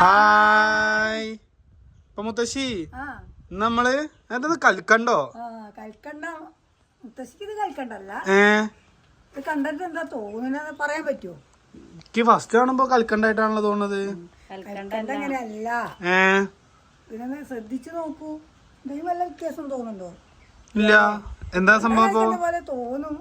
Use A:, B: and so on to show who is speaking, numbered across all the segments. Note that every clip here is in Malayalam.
A: ഹായ്. ഇപ്പൊ മുത്തശ്ശി നമ്മള് എന്താ കൽക്കണ്ടോ?
B: കൽക്കണ്ട മുത്തശ്ശിക്ക് ഇത് കൽക്കണ്ടല്ല. ഇത് കണ്ടിട്ട് എന്താ തോന്നുന്നത് പറയാൻ പറ്റുമോ?
A: എനിക്ക് ഫസ്റ്റ് കാണുമ്പോ കൽക്കണ്ടായിട്ടാണല്ലോ തോന്നുന്നത്.
B: കൽക്കണ്ട അങ്ങനെയല്ല. ഇതിനൊന്ന് ശ്രദ്ധിച്ചു നോക്കൂ. എന്തെങ്കിലും വല്ല വ്യത്യാസം തോന്നുന്നുണ്ടോ?
A: ഇല്ല. എന്താ സംഭവം
B: പോലെ തോന്നും.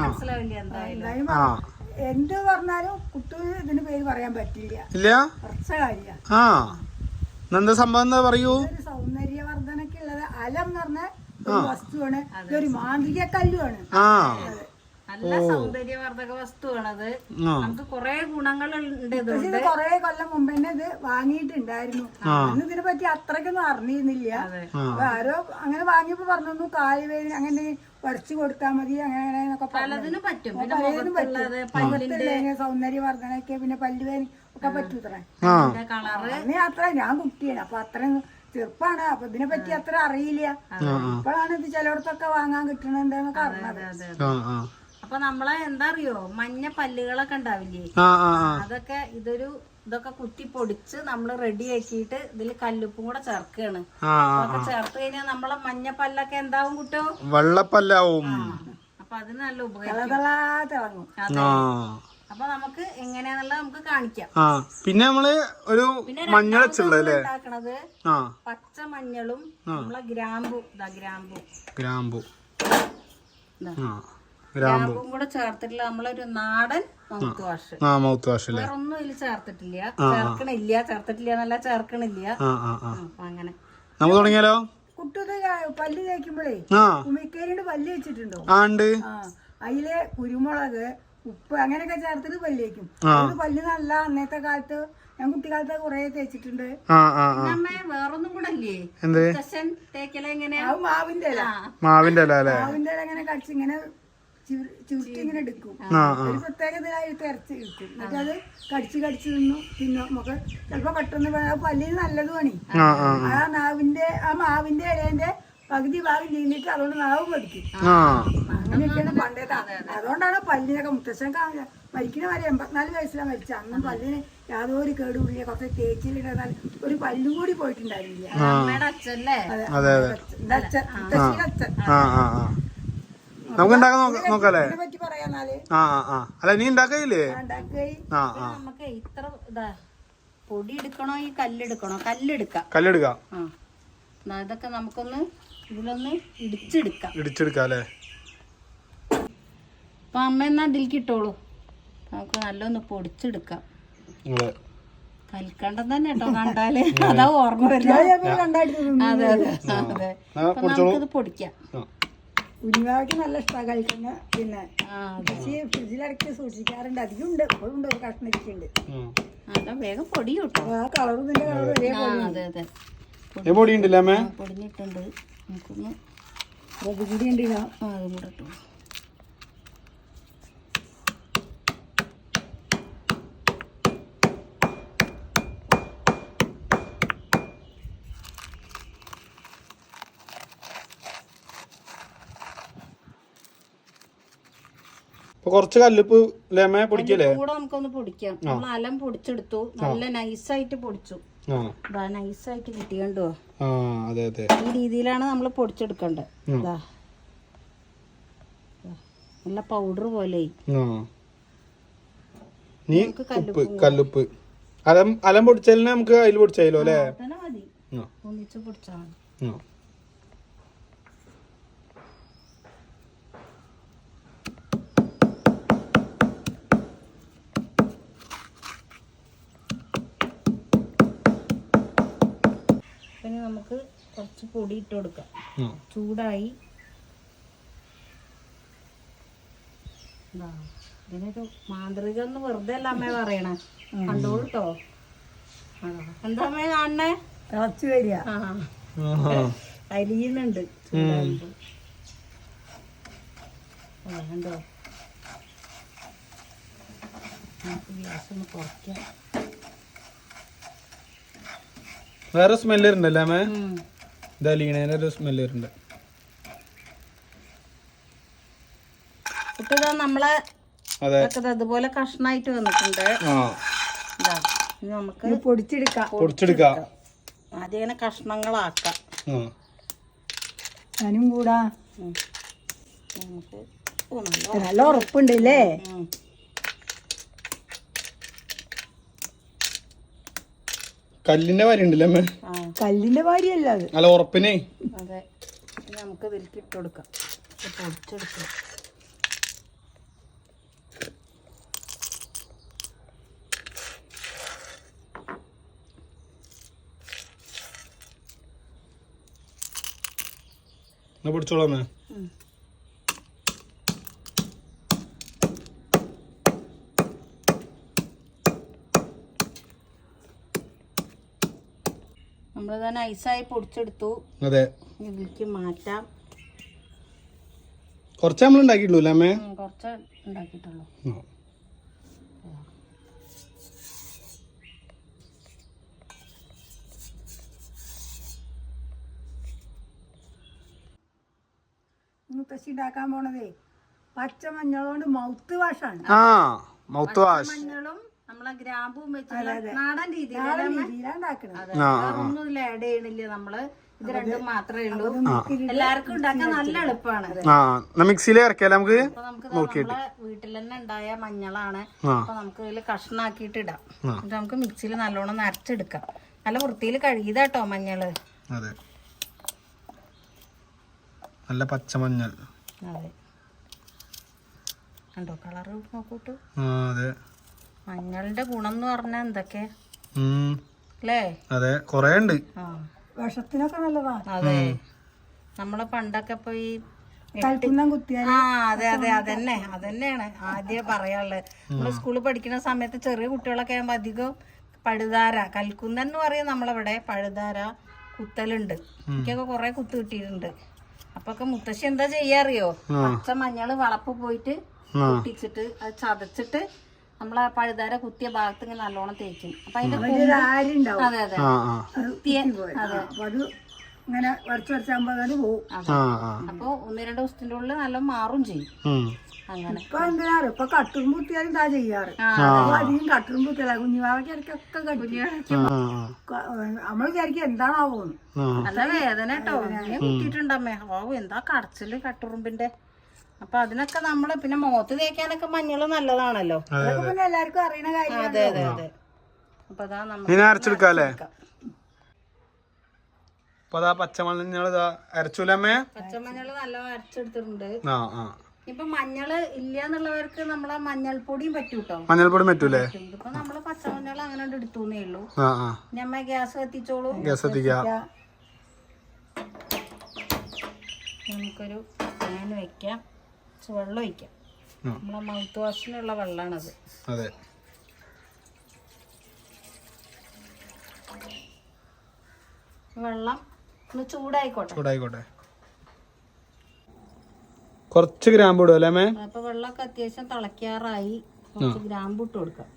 B: എന്ത് പറഞ്ഞാലും കുട്ടൂന് ഇതിന് പേര് പറയാൻ പറ്റില്ല.
A: ഇല്ല.
B: കുറച്ച കാര്യ.
A: എന്താ സംഭവം എന്താ പറയൂ.
B: സൗന്ദര്യവർദ്ധനക്കുള്ളത് അലം എന്ന് പറഞ്ഞ ഒരു വസ്തുവാണ്. ഇതൊരു മാന്ത്രിക കല്ലുമാണ്.
C: നല്ല സൗന്ദര്യവർദ്ധക വസ്തുവാണത്. നമുക്ക് കൊറേ ഗുണങ്ങളുണ്ട്.
B: കൊറേ കൊല്ലം മുമ്പ് തന്നെ ഇത് വാങ്ങിയിട്ടുണ്ടായിരുന്നു. അന്ന് ഇതിനെ പറ്റി അത്രയ്ക്കൊന്നും അറിഞ്ഞിരുന്നില്ല. ആരോ അങ്ങനെ വാങ്ങിയപ്പോ പറഞ്ഞു കാലുവേദന അങ്ങനെ വരച്ചു കൊടുത്താൽ മതി അങ്ങനെ
C: പലതിനും പറ്റും.
B: സൗന്ദര്യവർദ്ധനക്ക് പിന്നെ പല്ലുവേദന ഒക്കെ പറ്റൂത്രേ. അന്ന് അത്ര ഞാൻ കുട്ടിയാണ്. അപ്പൊ അത്രയും ചെറുപ്പാണ്. അപ്പൊ ഇതിനെ പറ്റി അത്ര അറിയില്ല. ഇപ്പോഴാണ് ഇത് ചിലയിടത്തൊക്കെ വാങ്ങാൻ കിട്ടണെന്നൊക്കെ അറിഞ്ഞത്.
C: അപ്പൊ നമ്മളെ എന്താ അറിയോ, മഞ്ഞ പല്ലുകളൊക്കെ ഉണ്ടാവില്ലേ, അതൊക്കെ ഇതൊക്കെ കുത്തി പൊടിച്ച് നമ്മള് റെഡി ആക്കിയിട്ട് ഇതില് കല്ലുപ്പും കൂടെ ചേർക്കാണ്. അതൊക്കെ ചേർത്ത് കഴിഞ്ഞാൽ നമ്മളെ മഞ്ഞ പല്ലൊക്കെ എന്താവും കുട്ടോ?
A: വെള്ളപ്പല്ലാവും.
C: അപ്പൊ അതിന് നല്ല ഉപകാരം. അപ്പൊ നമുക്ക് എങ്ങനെയാന്നുള്ളത് നമുക്ക് കാണിക്കാം.
A: പിന്നെ നമ്മള് ഒരു മഞ്ഞൾ ഉണ്ടാക്കണത്
C: പച്ച മഞ്ഞളും നമ്മളെ ഗ്രാമ്പു ഗ്രാമ്പും കൂടെ ചേർത്തിട്ടുള്ള നമ്മളൊരു നാടൻ മൗത്ത് വാഷ്. വേറെ ഒന്നും ഇതിൽ ചേർത്തിട്ടില്ല എന്നല്ല ചേർക്കണില്ല. അങ്ങനെ
A: നമുക്ക് തുടങ്ങിയാലോ?
B: കുട്ടത് പല്ല് തേക്കുമ്പോഴേ ഉമിക്കേരിയുടെ പല്ല് വെച്ചിട്ടുണ്ടോ? അതില് കുരുമുളക്, ഉപ്പ് അങ്ങനെയൊക്കെ ചേർത്തിട്ട് പല്ല് തേക്കും. പല്ല് നല്ല അന്നത്തെ കാലത്ത് ഞാൻ കുട്ടിക്കാലത്ത് കൊറേ തേച്ചിട്ടുണ്ട്.
C: വേറൊന്നും കൂടെ അല്ലേ തേക്കല? എങ്ങനെയാ?
A: മാവിന്റെ ഇല
B: അങ്ങനെ കടിച്ച് ഇങ്ങനെ ചുരുട്ടി ഇങ്ങനെ എടുക്കും. ഒരു പ്രത്യേകതയായി തെരച്ച് കിട്ടും. എന്നിട്ട് അത് കടിച്ച് നിന്നു. പിന്നെ നമുക്ക് ചിലപ്പോ പെട്ടെന്ന് പല്ലിന് നല്ലതുമാണ്. ആ മാവിന്റെ ഇലേന്റെ പകുതി ഭാഗം ചെയ്തിട്ട് അതുകൊണ്ട് നാവ് പഠിക്കും. അങ്ങനെയൊക്കെയാണ് പണ്ടേതാ. അതുകൊണ്ടാണ് പല്ലിനൊക്കെ മുത്തശ്ശൻ മരിക്കുന്ന വരെ 84 വയസ്സിലാണ് മരിച്ചത്. അന്നും പല്ലിന് യാതൊരു കേടുകൂടില്ല. കുറച്ച് തേച്ചിലിട്ടാൽ ഒരു പല്ലും കൂടി പോയിട്ടുണ്ടായിരുന്നില്ല. മുത്തശ്ശിയുടെ അച്ഛൻ.
A: നമുക്ക് നോക്കാല്ലേ? അല്ല നീ ഉണ്ടാക്കയില്ലേ?
C: നമുക്ക് ഇത്ര പൊടി എടുക്കണോ ഈ കല്ലെടുക്കണോ? കല്ലെടുക്കാം. ഇതൊക്കെ നമുക്കൊന്ന് ഇതിലൊന്ന് ഇടിച്ചെടുക്കാം അല്ലേ? അപ്പൊ അമ്മ എന്നാ ഇതിലേക്ക് ഇട്ടോളൂ. നമുക്ക് നല്ലൊന്ന് പൊടിച്ചെടുക്കാം. കൽക്കണ്ടം തന്നെ കേട്ടോ കണ്ടാല്. അതാ ഓർമ്മ വരുന്നത്. അതെ. അപ്പൊ നമുക്കിത് പൊടിക്കാം.
B: കുഞ്ഞുവാക്ക് നല്ല ഇഷ്ടമാണ് കഴിക്കുന്ന. പിന്നെ ഫ്രിഡ്ജിലിടയ്ക്ക് സൂക്ഷിക്കാറുണ്ട്. അധികം ഉണ്ട്. ഇപ്പോഴും ഉണ്ട്. ഒരു കഷ്ണം ഇരിക്കുന്നുണ്ട്.
C: അതാ വേഗം പൊടി കിട്ടും.
B: ആ കളർ ഇതിന്റെ കളർ
C: പൊടിഞ്ഞിട്ടുണ്ട്. നമുക്കൊന്ന്
B: അതും കൂടി ഉണ്ട്.
C: അതും കൂടെ ഇട്ടു.
A: കുറച്ച് കല്ലുപ്പ് പൊടിക്കല്ലേ?
C: കൂടെ നമുക്കൊന്ന് പൊടിക്കാം. നമ്മൾ അലം പൊടിച്ചെടുത്തു. നല്ല നൈസായിട്ട് പൊടിച്ചു. നൈസായിട്ട് കിട്ടിയണ്ടോ? ഈ രീതിയിലാണ് നമ്മൾ പൊടിച്ചെടുക്കേണ്ടത്. നല്ല പൗഡർ പോലെ.
A: കല്ലുപ്പ് അലം പൊടിച്ചാലും നമുക്ക് അതിൽ പൊടിച്ചാലോ അല്ലേ?
C: മതി. ഒന്നിച്ച് പൊടിച്ചാൽ മതി. പിന്നെ നമുക്ക് കുറച്ച് പൊടി ഇട്ട് കൊടുക്കാം. ചൂടായി. ഇതിനൊരു മാന്ത്രികം എന്ന് വെറുതെ അല്ല അമ്മ പറയണേ. കണ്ടോളൂട്ടോ. എന്താ അമ്മ കാണണേ?
B: തിളച്ചു വരിക.
C: അരിയുന്നുണ്ട്. ചൂടാകുമ്പോ കണ്ടോ? നമുക്ക് ഗ്യാസ് ഒന്ന് കുറയ്ക്കാം.
A: വേറെ സ്മെല്ല് ഉണ്ടല്ലേ അമ്മ? ഇതാ ലീണേനൊരു സ്മെല്ല് വരുന്നുണ്ട്.
C: നമ്മളെ അതുപോലെ കഷ്ണായിട്ട് വന്നിട്ടുണ്ട്. ഇനി നമുക്ക്
B: ഇത് പൊടിച്ചെടുക്കാം.
C: ആദ്യം ഇങ്ങനെ കഷ്ണങ്ങളാക്കാം.
B: ഞാനും കൂടാ.
C: നമുക്ക്
B: നല്ല ഉറപ്പുണ്ട് അല്ലേ?
A: കല്ലിന്റെ വാരി ഉണ്ടല്ലേ അമ്മേ?
B: കല്ലിന്റെ വാരിയല്ല അത്.
A: അല്ല ഉറപ്പിനെ.
C: അതെ. നമുക്ക് ഇതിലേക്ക് ഇട്ട് കൊടുക്കാം. പൊടിച്ചെടുക്കാം.
A: പൊടിച്ചോളാമേ.
C: നമ്മളിത് നൈസായി പൊടിച്ചെടുത്തു.
A: അതെ.
C: ഇതിലേക്ക് മാറ്റാം.
A: കുറച്ച് നമ്മൾ ഉണ്ടാക്കിയിട്ടുള്ളൂ അമ്മേ?
C: കുറച്ച് ഉണ്ടാക്കിയിട്ടുള്ളൂ.
B: മുത്തശ്ശി ഉണ്ടാക്കാൻ പോണതേ പച്ചമഞ്ഞളോണ്ട് മൗത്ത് വാഷാണ്.
A: Mouth wash.
C: മഞ്ഞളും നമ്മളെ ഗ്രാമ്പും വെച്ചിട്ടുള്ള നാടൻ രീതിയിലാണ്
B: ഉണ്ടാക്കണത്.
C: ഒന്നും ഇതിൽ ആഡ് ചെയ്യണില്ല നമ്മള്. ഇത് രണ്ടും മാത്രമേ ഉള്ളൂ. എല്ലാവർക്കും ഉണ്ടാക്കാൻ നല്ല എളുപ്പമാണ്.
A: മിക്സിയിൽ ഇറക്കിയാലേ നമുക്ക്.
C: അപ്പൊ നമുക്ക് നമ്മളെ വീട്ടിൽ തന്നെ ഉണ്ടായ മഞ്ഞളാണ്. അപ്പൊ നമുക്ക് ഇതിൽ കഷ്ണാക്കിയിട്ട് ഇടാം. എന്നിട്ട് നമുക്ക് മിക്സിയിൽ നല്ലോണം നരച്ചെടുക്കാം. നല്ല വൃത്തിയിൽ കഴുകിയതാട്ടോ മഞ്ഞള്.
A: അതെ. നല്ല പച്ചമഞ്ഞൾ.
C: അതെ. കണ്ടോ കളറ് നോക്കൂട്ടു.
A: അതെ.
C: മഞ്ഞളുടെ ഗുണം എന്ന് പറഞ്ഞാൽ എന്തൊക്കെ അല്ലേ?
A: അതെ, കൊറേ ഉണ്ട്.
B: വിഷത്തിനൊക്കെ നല്ലതാ.
C: അതെ. നമ്മള് പണ്ടൊക്കെ ഇപ്പൊ ഈ
B: കൽക്കുന്നം കുത്തിയാൽ
C: അതെ അതന്നെയാണ് ആദ്യം പറയാനുള്ളത്. നമ്മള് സ്കൂളിൽ പഠിക്കുന്ന സമയത്ത് ചെറിയ കുട്ടികളൊക്കെ ആകുമ്പോ അധികം പഴുതാര, കൽക്കുന്നൻ എന്ന് പറയും നമ്മളവിടെ, പഴുതാര കുത്തലുണ്ട്. എനിക്കൊക്കെ കൊറേ കുത്ത് കിട്ടിയിട്ടുണ്ട്. അപ്പൊക്കെ മുത്തശ്ശി എന്താ ചെയ്യാറിയോ? പച്ച മഞ്ഞള് വളപ്പ് പോയിട്ട് പൊട്ടിച്ചിട്ട് അത് ചതച്ചിട്ട് നമ്മളെ പഴുതാര കുത്തിയ ഭാഗത്ത് ഇങ്ങനെ നല്ലോണം തേക്കും. അപ്പൊ അതിന്റെ അതെ അതെ
B: അത് ഇങ്ങനെ വരച്ചാകുമ്പോ പോകും.
C: അപ്പൊ 1-2 ദിവസത്തിന്റെ ഉള്ളിൽ നല്ല മാറും ചെയ്യും. അങ്ങനെ
B: ഇപ്പൊ എന്തിനാറ് ഇപ്പൊ കട്ടും കുത്തിയാലും ഇതാ ചെയ്യാറ്. അധികം കട്ടും കുത്തിയല്ല കുഞ്ഞുവാവയ്ക്ക് ഇടയ്ക്കൊക്കെ നമ്മൾ വിചാരിക്കും എന്താണാവോ.
C: നല്ല വേദന കേട്ടോ. ഞാൻ കുത്തിയിട്ടുണ്ടമ്മേ. എന്താ കടച്ചില് കട്ടുറുമ്പിന്റെ. അപ്പൊ അതിനൊക്കെ നമ്മള് പിന്നെ മുഖത്ത് തേക്കാനൊക്കെ മഞ്ഞള് നല്ലതാണല്ലോ.
B: പിന്നെ എല്ലാവർക്കും അറിയണ കാര്യം.
C: അതെ അതെ അതെ. അപ്പൊ അതാ നമ്മൾ
A: അരച്ചെടുക്കാല്ലേ?
C: പച്ചമഞ്ഞള് നല്ല അരച്ചെടുത്തിട്ടുണ്ട്. ഇപ്പൊ മഞ്ഞള് ഇല്ല എന്നുള്ളവർക്ക് നമ്മളെ മഞ്ഞൾപ്പൊടിയും പറ്റൂട്ടോ.
A: മഞ്ഞൾപ്പൊടി പറ്റൂലേ?
C: ഇപ്പൊ നമ്മള് പച്ചമഞ്ഞൾ അങ്ങനെ എടുത്തൂന്നേ ഉള്ളൂ. ഞമ്മ ഗ്യാസ് കത്തിച്ചോളൂ. നമുക്കൊരു പാൻ വെക്കാം. വെള്ളം ഒഴിക്കാം. നമ്മളെ മൗത്ത് വാഷിനുള്ള വെള്ളാണത്.
A: അതെ.
C: വെള്ളം ഒന്ന് ചൂടായിക്കോട്ടെ.
A: കുറച്ച് ഗ്രാമ്പ് ഇടും അല്ലേ?
C: അപ്പൊ വെള്ളമൊക്കെ അത്യാവശ്യം തിളക്കാറായി. കുറച്ച് ഗ്രാമ്പ് ഇട്ട് കൊടുക്കാം.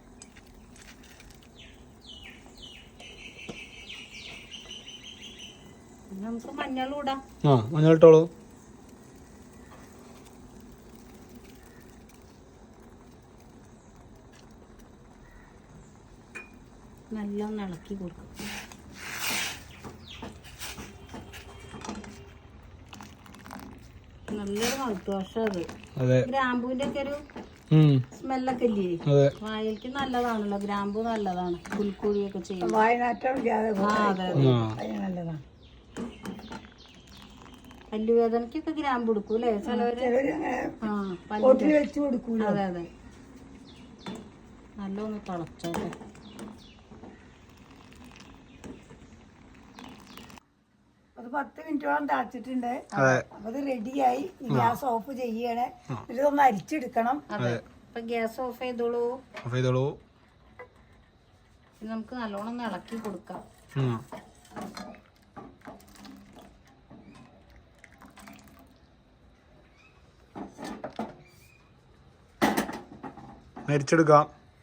C: നമുക്ക് മഞ്ഞളും ഇടാം.
A: മഞ്ഞൾ ഇട്ടോളൂ.
C: നല്ലോണം ഇളക്കി കൊടുക്കും. നല്ലൊരു മൗത്ത് വാഷ് അത്. ഗ്രാമ്പൂവിന്റെ ഒക്കെ ഒരു സ്മെല്ലൊക്കെ ഇല്ലേ? വായിലേക്ക് നല്ലതാണല്ലോ ഗ്രാമ്പൂ. നല്ലതാണ്. പുൽക്കൂടിയൊക്കെ ചെയ്യും.
B: നല്ലതാണ്.
C: പല്ലുവേദനക്കൊക്കെ ഗ്രാമ്പ് കൊടുക്കും അല്ലേ ചിലവര്? അതെ അതെ. നല്ലൊന്ന് തിളച്ചോട്ടെ.
B: അത് 10 മിനിറ്റോളം തിളച്ചിട്ടുണ്ട്. അപ്പൊ ഇത് റെഡിയായി. ഗ്യാസ് ഓഫ് ചെയ്യണേ. ഇതൊന്ന് അരിച്ചെടുക്കണം.
C: അതെ. അപ്പൊ ഗ്യാസ് ഓഫ് ചെയ്തോളൂ. നമുക്ക് നല്ലോണം ഇളക്കി കൊടുക്കാം.
A: അരിച്ചെടുക്കാം.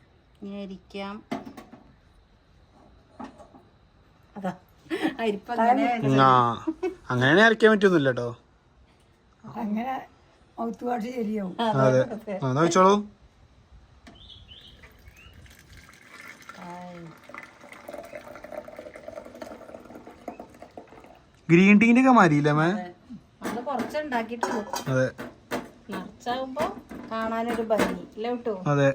C: അതാ അരിപ്പങ്ങനെ
A: അങ്ങനെ അരക്കാൻ പറ്റൊന്നുമില്ല കേട്ടോ.
B: അങ്ങനെ മൗത്ത് വാഷ് ശരിയാവും.
A: അതെ. ചോളൂ. ഗ്രീൻ ടീന്റെ ഒക്കെ മാറിയില്ലേ മേ?
C: നമ്മള് കുറച്ച് ഉണ്ടാക്കിയിട്ടുള്ളൂ.
A: അതെ,
C: നിറച്ചാകുമ്പോ കാണാനൊരു ഭംഗി ഇല്ല കേട്ടോ.
A: അതെ.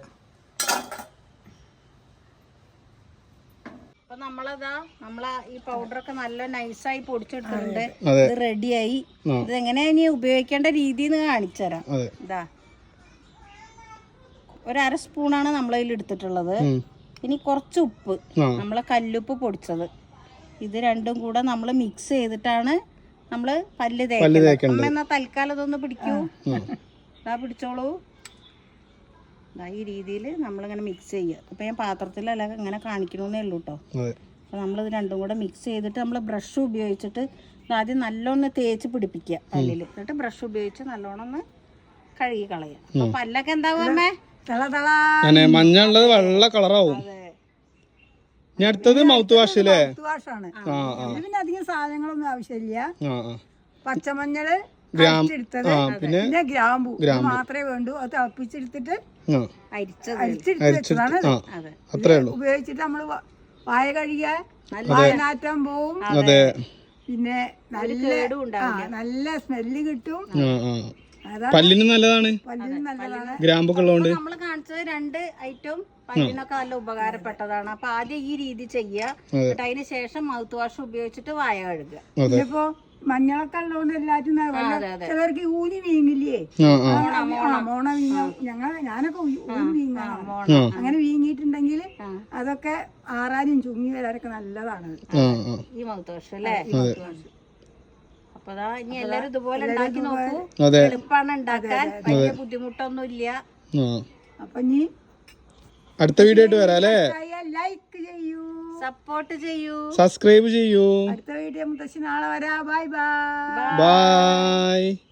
C: അപ്പൊ നമ്മളെ ഈ പൗഡറൊക്കെ നല്ല നൈസായി പൊടിച്ചെടുത്തിട്ടുണ്ട്.
A: അതെ.
C: ഇത് റെഡിയായി. ഇത് എങ്ങനെയാ ഇനി ഉപയോഗിക്കേണ്ട രീതി എന്ന് കാണിച്ചു തരാം. ഇതാ ഒരു 1/2 സ്പൂണാണ് നമ്മളതിൽ എടുത്തിട്ടുള്ളത്. ഇനി കുറച്ച് ഉപ്പ്, നമ്മളെ കല്ലുപ്പ് പൊടിച്ചത്, ഇത് രണ്ടും കൂടെ നമ്മൾ മിക്സ് ചെയ്തിട്ടാണ് നമ്മള് പല്ല് തേക്കുന്നത്. എന്നാ തൽക്കാലം ഇതൊന്ന് പിടിക്കൂ. ഇതാ പിടിച്ചോളൂ. ഈ രീതിയിൽ നമ്മളിങ്ങനെ മിക്സ് ചെയ്യുക. ഇപ്പൊ ഞാൻ പാത്രത്തിലല്ല ഇങ്ങനെ കാണിക്കണമെന്നേ ഉള്ളൂ കേട്ടോ. അപ്പൊ നമ്മളിത് രണ്ടും കൂടെ മിക്സ് ചെയ്തിട്ട് നമ്മൾ ബ്രഷ് ഉപയോഗിച്ചിട്ട് ആദ്യം നല്ലോണം തേച്ച് പിടിപ്പിക്കുക പല്ലിൽ. എന്നിട്ട് ബ്രഷ് ഉപയോഗിച്ച് നല്ലോണം ഒന്ന് കഴുകി കളയുക. അപ്പൊ പല്ലൊക്കെ എന്താവും അമ്മേ?
A: മഞ്ഞ ഉള്ളത് വെള്ള കളറാവും. ഇനി അടുത്തത് മൗത്ത് വാഷ് അല്ലേ?
B: മൗത്ത് വാഷാണ്. പിന്നെ അധികം സാധനങ്ങളൊന്നും ആവശ്യമില്ല. പച്ചമഞ്ഞള് എടുത്തത്, പിന്നെ ഗ്രാമ്പു മാത്രമേ വേണ്ടൂ. അത് തിളപ്പിച്ചെടുത്തിട്ട് അരിച്ചെടുത്ത് വെച്ചതാണ്. ഉപയോഗിച്ചിട്ട് നമ്മള് വായ കഴുകിയ നാറ്റം പോവും. പിന്നെ നല്ല സ്മെല്ല് കിട്ടും.
A: പല്ലിന് നല്ലതാണ്. ഗ്രാമ്പൊക്കെ ഉള്ളതുകൊണ്ട്
C: നമ്മള് കാണിച്ചത് 2 ഐറ്റം പല്ലിനൊക്കെ നല്ല ഉപകാരപ്പെട്ടതാണ്. അപ്പൊ ആദ്യം ഈ രീതി ചെയ്യുക. എന്നിട്ട് അതിന് ശേഷം മൗത്ത് വാഷ് ഉപയോഗിച്ചിട്ട് വായ കഴുകുക.
B: ഇപ്പൊ മഞ്ഞളൊക്കെ ഉള്ളതുകൊണ്ട് എല്ലാറ്റും ചിലർക്ക് ഊരി വീങ്ങില്ലേ? മോണ വീങ്ങ. ഞാനൊക്കെ ഊരി വീങ്ങാണ്. അങ്ങനെ വീങ്ങിയിട്ടുണ്ടെങ്കിൽ അതൊക്കെ ആറാനും ചുങ്ങി വരാനൊക്കെ നല്ലതാണ്
C: ഈ മൗത്ത് വാഷ് അല്ലേ? അപ്പൊ ഇനി എല്ലാരും ഇതുപോലെ ഉണ്ടാക്കി നോക്കൂ. എളുപ്പമാണ് ഉണ്ടാക്കാൻ, വലിയ ബുദ്ധിമുട്ടൊന്നും ഇല്ല.
B: അപ്പൊ ഇനി
A: അടുത്ത വീഡിയോ ആയിട്ട് വരാം അല്ലേ?
B: ലൈക്ക് ചെയ്യൂ,
C: സപ്പോർട്ട് ചെയ്യൂ,
A: സബ്സ്ക്രൈബ് ചെയ്യൂ.
B: അടുത്ത വീഡിയോ മുത്തശ്ശി നാളെ വരാം. Bye bye.
A: ബൈ.